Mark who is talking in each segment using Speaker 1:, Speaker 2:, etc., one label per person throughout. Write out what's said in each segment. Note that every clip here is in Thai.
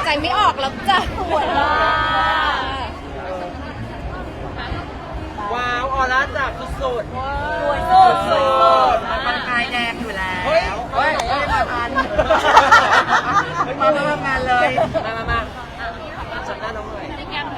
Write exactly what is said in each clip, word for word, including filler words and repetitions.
Speaker 1: ไม่ออกแล้วจ้ะปวดมาก
Speaker 2: ว้าวออร่าจับสุดๆ
Speaker 1: สวยสุดสวยสุด
Speaker 3: มันกายแดงอยู่แล้ว
Speaker 2: เฮ้ย
Speaker 3: เฮ้ยไม่ได้มาทันมามาทำงานเลย
Speaker 2: มามามาจับหน้าน้องหน่อย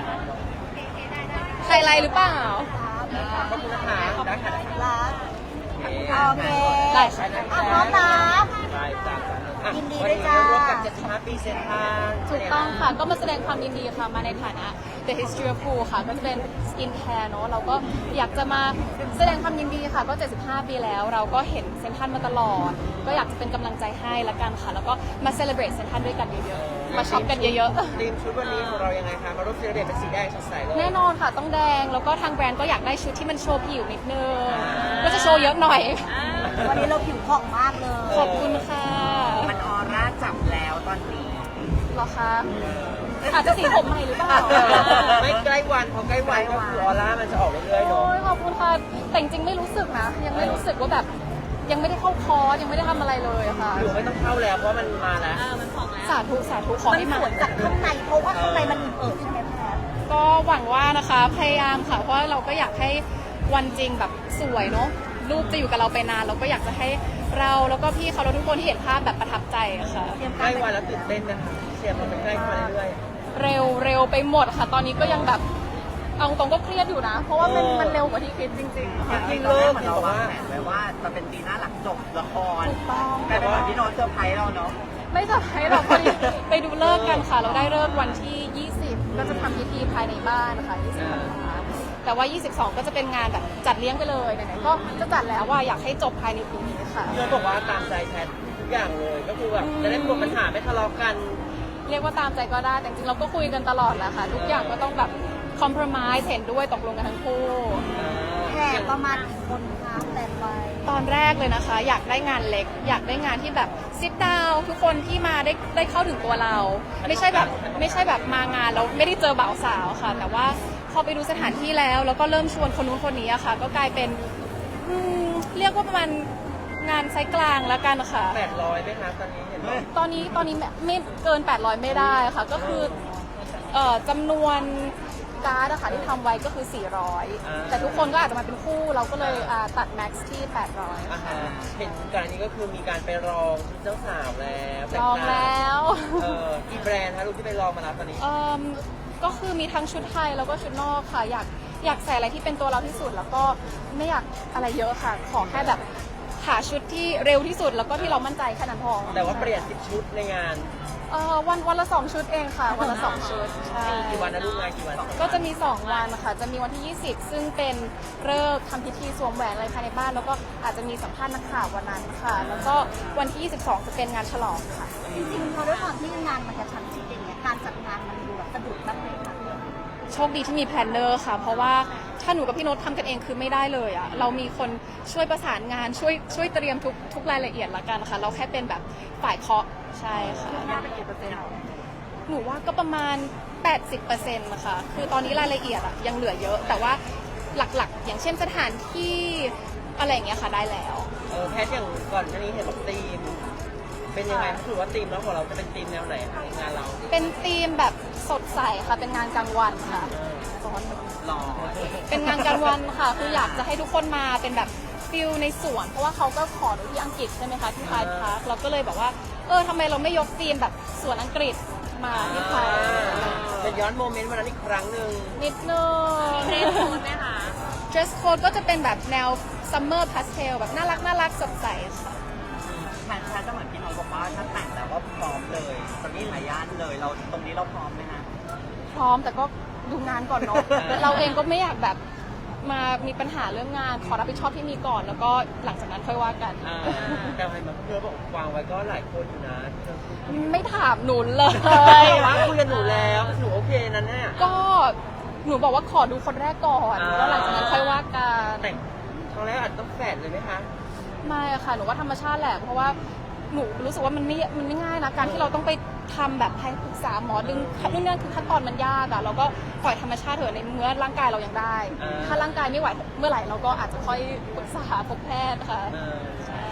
Speaker 1: ใครไรหรือเปล่า
Speaker 2: ขอบคุณนะคะได้ค่ะ
Speaker 4: รัก
Speaker 2: โอ
Speaker 4: โอ
Speaker 2: เค
Speaker 4: เค
Speaker 1: ได้ค่ะ
Speaker 4: อ่ะพร้อมนะ
Speaker 2: ได้จ้ะอ่ะ
Speaker 4: ยินดี
Speaker 2: วั
Speaker 4: ด้วย
Speaker 2: นี้
Speaker 4: จ้า
Speaker 2: ร่วมกับเจ็ดสิบห้าปีเซนทรัล
Speaker 1: ถูกต้องค่ะ ก็มาแสดงความยินดีค่ะ มาในฐานะ The History of Poo ค่ะ ก็จะเป็น Skin Care เนอะเราก็อยากจะมาแสดงความยินดีค่ะ ก็ เจ็ดสิบห้า ปีแล้ว เราก็เห็นเซนทรัลมาตลอด ก็อยากจะเป็นกำลังใจให้ละกันค่ะ แล้วก็มา celebrate เซนทรัลด้วยกันเยอะๆ มาช็อปกันเยอะๆ
Speaker 2: ทีมชุดวันนี้ของเรายังไงคะ มาร่วมเซเลบเรตเป็นสีแดงสดใสเลย
Speaker 1: แน่นอนค่ะต้องแดง แล้วก็ทางแบรนด์ก็อยากได้ชุดที่มันโชว์ผิวนิดนึง ก็จะโชว์เยอะหน่อย
Speaker 4: วันนี้เราผิวผ่องมากเลย
Speaker 1: ขอบคุณค่ะ
Speaker 3: มันออร่าจับแล้วตอนนี้
Speaker 1: เหรอคะอาจจะสีผมใหม่หรือเปล่า
Speaker 2: ไม่ใกล้วันพอใกล้วันก็คือออร่ามันจะออกเรื่อยๆ
Speaker 1: โอ้
Speaker 2: เนาะ
Speaker 1: ยขอบคุณค่ะแต่จริงๆไม่รู้สึกนะ ยังไม่รู้สึกว่าแบบยังไม่ได้เข้าคอร์สยังไม่ได้ทำอะไรเลยอะค่ะ
Speaker 2: หรือไม่ต้องเข้าแล้วเพราะมันมาแล้ว
Speaker 1: สาธุสาธุขอ
Speaker 4: มัน
Speaker 1: ให้
Speaker 4: ส
Speaker 1: มา
Speaker 4: วยจากข้างในเพราะว่าข้างในมันเอิบใช่ไหมแพท
Speaker 1: ก็หวังว่านะคะพยายามค่ะ เพราะว่าเราก็อยากให้วันจริงแบบสวยเนาะรูปจะอยู่กับเราไปนานเราก็อยากจะให้เราแล้วก็พี่เขาแล้วทุกคนที่เห็นภาพแบบประทับใจอะค่ะ
Speaker 2: ใกล้วันแล้วตื่นเต้นนะคะเชียร์มันใกล้วันเรื่อย
Speaker 1: เร็วเร็วไปหมดค่ะ ตอนนี้ก็ยังแบบเอาตรงก็เครียดอยู่นะ เพราะว่ามัน
Speaker 2: เออ
Speaker 1: มันเร็วกว่าที่คิดจริงๆค่ะ
Speaker 3: จริงๆเราเหมือนเราวางแผนไว้ว่าจะเป็นปีหน้าหลังจบละคร
Speaker 1: ถูกต้อง
Speaker 3: แต่เป็นวันที่โน้ตเซอร์ไพรส์เราเนาะ
Speaker 1: ไม่จะให้เราไปไปดูเลิกษ์กันค่ะ เราได้เลิกษ์วันที่ ยี่สิบ ก็จะทำพิธีภายในบ้านนะคะยี่สิบนะคะแต่ว่า ยี่สิบสอง ก็จะเป็นงานแบบจัดเลี้ยงไปเลยไหนๆก็จะจัดแล้วว่าอยากให้จบภายในปีนี้ค่ะ
Speaker 2: ๆพี่โน้ตบอกว่าตามใจแพททุกอย่างเลยก็คือแบบจะได้ไม่มีปัญหาไม่ทะเลาะกัน
Speaker 1: เรียกว่าตามใจก็ได้ แต่จริงๆเราก็คุยกันตลอดแหละค่ะ ทุกอย่างก็ต้องแบบคอมเพลมไ s e เห็นด้วยตกลงกันทั้งคู่
Speaker 4: แขกประมาณกี่คนคะแต่ไป
Speaker 1: ตอนแรกเลยนะคะ อยากได้งานเล็ก อยากได้งานที่แบบซิดดาวทุกคนที่มาได้ได้เข้าถึงตัวเรา ไม่ใช่แบบไม่ใช่แบบมางานแล้วไม่ได้เจอบ่าวสาวค่ะ แต่ว่าพอไปดูสถานที่แล้ว แล้วก็เริ่มชวนคนนู้นคนนี้อะค่ะ ก็กลายเป็นอืมเรียกว่าประมาณงานไซส์กลางแล้วกันค่ะ
Speaker 2: แปดร้อยไหมคะตอนนี้เห็นไหม
Speaker 1: ตอนนี้ตอนนี้ไม่ไม่เกิน แปดร้อย ไม่ได้ค่ะ ก็คือเอ่อจำนวนการ์ดอะค่ะที่ทำไว้ก็คือ สี่ร้อย แต่ทุกคนก็อาจจะมาเป็นคู่เราก็เลยอ่าตัดแม็กซ์ที่ แปดร้อย
Speaker 2: อาหารเห็นก่อนอันนี้ก็คือมีการไปรองชุดเจ้าสาวแล้วแต่
Speaker 1: ลองแล้ว
Speaker 2: เออกี่แบรนด์คะลูกที่ไปลองมาแล้วตอนนี้
Speaker 1: เอิ่มก็คือมีทั้งชุดไทยแล้วก็ชุดนอกค่ะ อยากอยากใส่อะไรที่เป็นตัวเราที่สุด แล้วก็ไม่อยากอะไรเยอะค่ะ ขอแค่แบบหาชุดที่เร็วที่สุด แล้วก็ที่เรามั่นใจแค่นั้นพอ
Speaker 2: แต่ว่าเปลี่ยนสิบชุดในงาน
Speaker 1: เอ่อวันวันละสองชุดเองค่ะ วันละสองชุดใช่
Speaker 2: กี่วันนะลูกงานกี่วัน
Speaker 1: ก็จะมี สอง วันค่ะ จะมีวันที่ ยี่สิบ ซึ่งเป็นเลิกษ์ทำพิธีสวมแหวนอะไรภายในบ้าน แล้วก็อาจจะมีสัมภาษณ์นักข่าววันนั้นค่ะ แล้วก็วันที่ ยี่สิบสอง จะเป็นงานฉลองค่ะ
Speaker 4: จริงๆพอด้วยความที่งานมันจะชันชิดอย่างเงี้ยการจัดงานมันดูแบบสะดุดบ้างไหมคะ
Speaker 1: โชคดีที่มีแพลนเนอร์ค่ะ เพราะว่าถ้าหนูกับพี่โน้ตทำกันเองคือไม่ได้เลยอะเรามีคนช่วยประสานงานช่วยช่วยเตรียมทุกทุกรายละเอียดละกันค่ะ เราแค่เป็นแบบฝ่ายเคาะใช่ค่ะ
Speaker 4: น่าเป็นกี่เปอร์เซ็นต์
Speaker 1: หนูว่าก็ประมาณ แปดสิบเปอร์เซ็นต์ นะคะ คือตอนนี้รายละเอียดอะยังเหลือเยอะ แต่ว่าหลักๆ อย่างเช่นสถานที่อะไรอย่างเงี้ยค่ะได้แล้ว
Speaker 2: เออแพทอย่างก่อนหน้านี้เห็นบอกธีม เป็นยังไงถือว่าธีมแล้วของเราจะเป็นธีมแนวไหนคะงานเรา
Speaker 1: เป็นธีมแบบสดใสค่ะ เป็นงานกลางวันค่ะร้อน
Speaker 2: หล่อ
Speaker 1: เป็นงานกลางวันค่ะ คืออยากจะให้ทุกคนมาเป็นแบบฟิลในสวน เพราะว่าเขาก็ขอหนูที่อังกฤษใช่ไหมคะที่ไทยพาร์คเราก็เลยแบบว่า เออทำไมเราไม่ยกธีมแบบสวนอังกฤษมาที่ไทย
Speaker 2: เป็นย้อนโมเมนต์วันนั้นอีกครั้งหนึ่ง
Speaker 1: นิดนึงมี dress code ไหมคะ dress code ก็จะเป็นแบบแนว summer pastel แบบน่ารักน่ารักสดใสค่ะ
Speaker 3: แพนแพนจะเหมือนพี่น้องบอกว่าถ้าแต่งแล้วก็พร้อมเลยตอนนี้หลายย่านเลยเราตรงนี้เราพร้อมไหมคะ
Speaker 1: พร้อมแต่ก็ดูงานก่อนเนาะ เราเองก็ไม่อยากแบบมามีปัญหาเรื่องงานขอรับผิดชอบที่มีก่อน แล้วก็หลังจากนั้นค่อยว่ากัน
Speaker 2: อ่าแต่ให้มาเพื่อบอกวางไว้ก็หลายคนอยู่นะที่เราคุย
Speaker 1: ไม่ถามหนูเลย
Speaker 2: ว่าคุยกับหนูแล้วหนูโอเคนั่นแน่
Speaker 1: ก็หนูบอกว่าขอดูคนแรกก่อน
Speaker 2: อ่า
Speaker 1: แล้วหลังจากนั้นค่อยว่ากัน
Speaker 2: แต่งครั้งแรกอาจจะต้องแฝดเลยไหมคะ
Speaker 1: ไม่อะค่ะหนูว่าธรรมชาติแหละเพราะว่าหนูรู้สึกว่ามันไม่มันไม่ง่ายนะการที่เราต้องไปทำแบบให้ปรึกษาหมอดึงนู่นนั่นคือขั้นตอนมันยากอะเราก็ปล่อยธรรมชาติเถอะในเมื่อร่างกายเรายังได้ ถ้าร่างกายไม่ไหวเมื่อไหร่เราก็อาจจะค่อยปรึกษาพบแพทย์ค่ะ
Speaker 2: เออ
Speaker 1: ใช่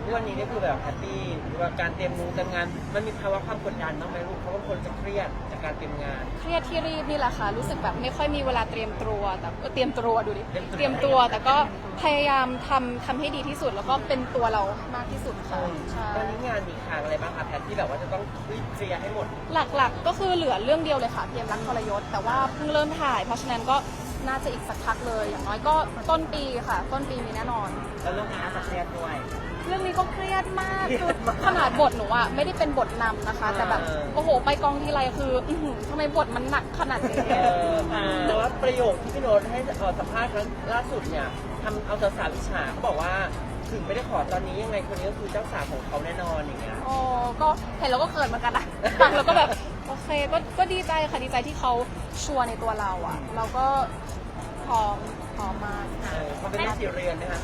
Speaker 2: ทุกวันนี้นี่คือแบบแฮปปี้หรือว่าการเตรียมงานเตรียมงานมันมีภาวะความกดดันบ้างไหมลูกเพราะว่าคนจะเครียดจากการเตรียมงาน
Speaker 1: เครียดที่รีบนี่แหละค่ะรู้สึกแบบไม่ค่อยมีเวลาเตรียมตัวแต่เออเตรียมตัวดูดิ
Speaker 2: เตรียมตัว
Speaker 1: เตรียมตัวแต่ก็พยายามทำทำให้ดีที่สุดแล้วก็เป็นตัวเรามากที่สุดค่ะใช่
Speaker 2: ตอนนี้งานมีค้างอะไรบ้างคะแพทที่แบบว่าจะต้องรีบเคลียร์ให้หมด
Speaker 1: หลักๆก็คือเหลือเรื่องเดียวเลยค่ะเพียงรักทรยศแต่ว่าเพิ่งเริ่มถ่าย เพราะฉะนั้นก็น่าจะอีกสักพักเลยอย่างน้อยก็ต้นปีค่ะ ต้นปีมีแน่นอน
Speaker 3: แล้วเรื่องงานจะเครียดด้วย
Speaker 1: เรื่องนี้ก็เครียดมาก
Speaker 2: เครี
Speaker 1: คื
Speaker 2: ย
Speaker 1: อ
Speaker 2: ดมาก
Speaker 1: ขนาดบทหนูอะไม่ได้เป็นบทนำนะคะ แต่แบบ
Speaker 2: เออ
Speaker 1: โอ้โหไปกองทีไรคืออื้อหือทำไมบทมันหนักขนาดนี้
Speaker 2: เออแต่ว่าประโยคที่พี่โน้ตให้เอ่อสัมภาษณ์ครั้งล่าสุดเนี่ยทำเอาสาวๆอิจฉาเขาบอกว่าถึงไม่ได้ขอตอนนี้ยังไงคนนี้ก็คือเจ้าสาวของเขาแน่นอนอย่างเงี้ย
Speaker 1: โอ้ก็เห็นแล้วก็เขินเหมือนกันนะฟังแล้วก็แบบโอเคก็ก็ดีใจค่ะดีใจที่เขาชัวร์ในตัวเราอะเราก็พร้อมพร้อมมาก
Speaker 2: เออเขาเป็นแม่สีเรือนนะคะ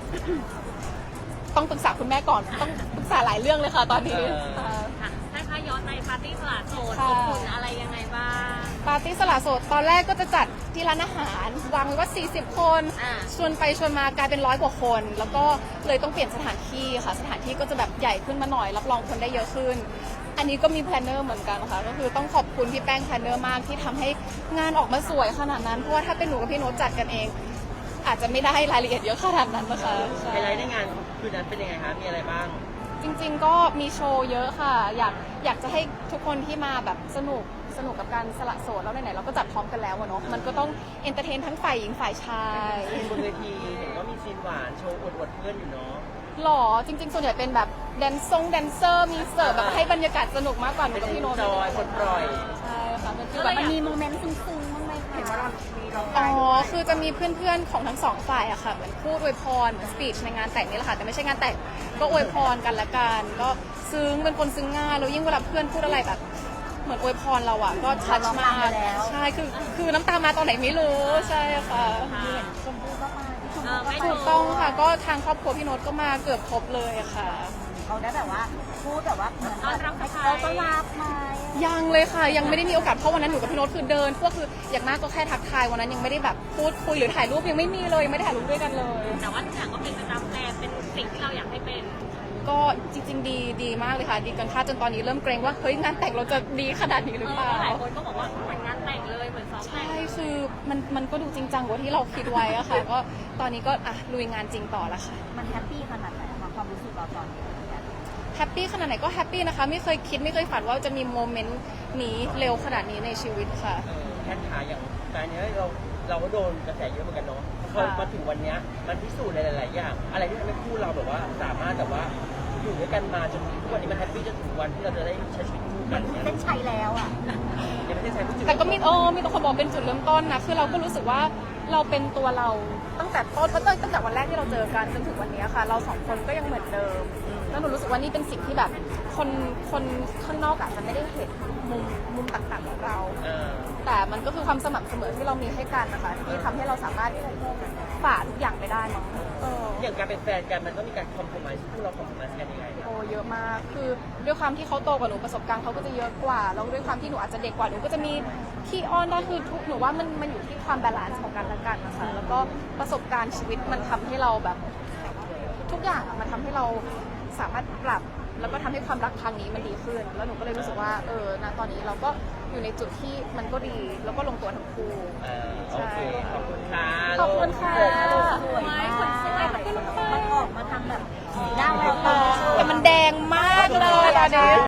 Speaker 1: ต้องปรึกษาคุณแม่ก่อนต้องปรึกษาหลายเรื่องเลยค่ะตอนนี้
Speaker 2: เออ
Speaker 1: ค่ะ
Speaker 5: ค่ะถ้าคะย้อนในปาร์ตี้สละโสด
Speaker 1: ค่ะ
Speaker 5: อบอุ่นอะไรยังไงบ้าง
Speaker 1: ปาร์ตี้สละโสดตอนแรกก็จะจัดที่ร้านอาหารวางไว้ว่าสี่สิบคน
Speaker 5: อ่า
Speaker 1: ชวนไปชวนมากลายเป็นร้อยกว่าคน แล้วก็เลยต้องเปลี่ยนสถานที่ค่ะ สถานที่ก็จะแบบใหญ่ขึ้นมาหน่อย รับรองคนได้เยอะขึ้น อันนี้ก็มีแพลนเนอร์เหมือนกันค่ะ ก็คือต้องขอบคุณพี่แป้งแพลนเนอร์มากที่ทำให้งานออกมาสวยขนาดนั้น เพราะว่าถ้าเป็นหนูกับพี่โน้ตจัดกันเอง อาจจะไม่ได้รายละเอียดเยอะขนาดนั้นนะคะใช่
Speaker 2: ไฮไลท์ในงานคืนนั้นเป็นยังไงคะมีอะไรบ้าง
Speaker 1: จริงๆ ก็มีโชว์เยอะค่ะ อยากอยากจะให้ทุกคนที่มาแบบสนุกสนุกกับการสละโสดแล้วไหนๆเราก็จัดพร้อมกันแล้วอะเนาะ มันก็ต้องเอนเตอร์เทนทั้งฝ่ายหญิงฝ่ายชาย
Speaker 2: ซีนบนเวทีเห็นว่ามีซีนหวานโชว์อวดๆเพื่อนอยู่เนาะ
Speaker 1: หล่อจริงๆ ส่วนใหญ่เป็นแบบแดนซงแดนเซอร์ มีเสิร์ฟแบบให้บรรยากาศสนุกมากกว่าหนู
Speaker 2: เป็น
Speaker 1: กับพี่โน้ต
Speaker 2: จอยปลดปล่อย
Speaker 1: ใช่ค่ะเป็นคือ
Speaker 5: ก็
Speaker 1: แบ
Speaker 5: เลย
Speaker 1: บ
Speaker 5: อยาก
Speaker 4: มีโมเมนต์ซึ้งๆบ้างไหมคะ
Speaker 3: เห็นว่าเรามีร้อง
Speaker 1: อ๋
Speaker 3: ไห้
Speaker 1: อ
Speaker 3: ด้วย
Speaker 1: คือจะมีเพื่อนๆ ของทั้งสองฝ่ายอะค่ะ เหมือนพูดอวยพร เหมือนสปีชในงานแต่งนี่แหละค่ะ แต่ไม่ใช่งานแต่ง ก็อวยพรกันละกัน ก็ซึ้ง เป็นคนซึ้งง่าย แล้วยิ่งเวลาเพื่อนพูดอะไรแบบ เหมือนอวยพรเราอะก็ชัดมาก ใช่ คือ คือน้ำตามาตอนไหนไม่รู้ ใช่ค่ะ
Speaker 4: ชมพู่ก็มาชม
Speaker 5: เอ
Speaker 4: พู่
Speaker 5: อไม่
Speaker 4: ก็
Speaker 1: ถู
Speaker 4: มาก
Speaker 1: ต้องค่ะ ก็ทางครอบครัวพี่โน้ตก็มาเกือบครบเลยอะค่ะ
Speaker 4: เขาได้แบบว่าพูดแบบว่าเหมือน
Speaker 5: ต้อนรับ
Speaker 4: ให้
Speaker 5: ใคร
Speaker 4: เขาต้อนรับไหม
Speaker 1: ยังเลยค่ะ ยังไม่ได้มีโอกาส เพราะวันนั้นหนูกับพี่โน้ตคือเดิน พวกคืออย่างมากก็แค่ทักทาย วันนั้นยังไม่ได้แบบพูดคุยหรือถ่ายรูปยังไม่มีเลย ยังไม่ได้ถ่ายรูปด้วยกันเลย
Speaker 5: แต่ว่าทุกอย่างก็เป็นไปตามแพลนเป็นสิ่งที่เราอยากให้เป็น
Speaker 1: ก็จริง ๆ ดีดีมากเลยค่ะ ดีกันค่าดจนตอนนี้เริ่มเกรงว่าเฮ้ยงานแต่งเราจะดีขนาดนี้ห
Speaker 5: เอ
Speaker 1: รือ
Speaker 5: อ
Speaker 1: เปล่า
Speaker 5: หลายคนก็บอกว่าเหมือนงานแต่งเลยเหมือนซ้อมแต่
Speaker 1: ใช่
Speaker 5: ง
Speaker 1: คือมันมันก็ดูจริงจังกว่าที่เราคิดไว้อะค่ะ ก็ตอนนี้ก็อ่ะลุยงานจริงต่อแล้วค่ะ
Speaker 4: มันแฮปปี้ขนาดไหนคะความรู้สึกเราตอนนี้
Speaker 1: แฮปปี้ขนาดไหนก็แฮปปี้นะคะ ไม่เคยคิดไม่เคยฝันว่าจะมีโมเมนต์นี้เร็วขนาดนี้ในชีวิตค่ะ
Speaker 2: เออแค่ขาอย่างการเนี้ยเราเราก็โดนกระแสเยอะเหมือนกันเนาะพอ
Speaker 1: ค่ะ
Speaker 2: มาถึงวันเนี้ยมันพิสูจน์ในหลาย ๆ อย่าง อะไรที่ทำให้คู่เราแบบว่าสามารถแบบว่าอยู่ด้วยกันมาจนทุกวันนี้มันแฮปปี้จนถึงวันที่เราจะได้ใช้ชีวิตคู่กันเนี่ย
Speaker 4: เส้นชัยแล้วอ่ะ
Speaker 2: ยังไม่ได้ใช้ผู้จิต
Speaker 1: แต่ก็มีโอ้มีตัวคนบอกเป็นจุดเริ่มต้นนะ คือเราก็รู้สึกว่าเราเป็นตัวเราตั้งแต่ต้นตั้งแต่ตั้งแต่วันแรกที่เราเจอกันจนถึงวันนี้ค่ะ เราสองคนก็ยังเหมือนเดิม แล้วหนูรู้สึกว่านี่เป็นสิ่งที่แบบคนคนข้างนอกอาจจะไม่ได้เห็นมุมมุมต่างๆของเรา
Speaker 2: เออ
Speaker 1: แต่มันก็คือความสม่ำเสมอที่เรามีให้กันนะคะที่ทำให้เราสามารถฝ่าทุกอย่างไปได้มั้งเออ
Speaker 2: อย่างการเป็นแฟนกันมันต้องมีการคอมโพมไมซ์คู่เราคอมโพมไมซ์กันยังไง
Speaker 1: โอ้เยอะมาก คือด้วยความที่เขาโตกว่าหนูประสบการณ์เขาก็จะเยอะกว่า แล้วด้วยความที่หนูอาจจะเด็กกว่าหนูก็จะมีที่อ้อนได้คือทุกหนูว่ามันมันอยู่ที่ความบาลานซ์ของกันและกันนะคะ แล้วก็ประสบการณ์ชีวิตมันทำให้เราแบบทุกอย่างอะมันทำให้เราสามารถปรับ แล้วก็ทำให้ความรักครั้งนี้มันดีขึ้น แล้วหนูก็เลยรู้สึกว่าเออณตอนนี้เราก็อยู่ในจุดที่มันก็ดี แล้วก็ลงตัวทั้งคู่
Speaker 2: เออโอเค ขอบคุณค่ะ
Speaker 1: ขอบคุณค่ะ
Speaker 4: สวยมากมันออกมาทำแบบสีหน้าแววตา
Speaker 1: แต่มันแดงมากเลยตอนนี้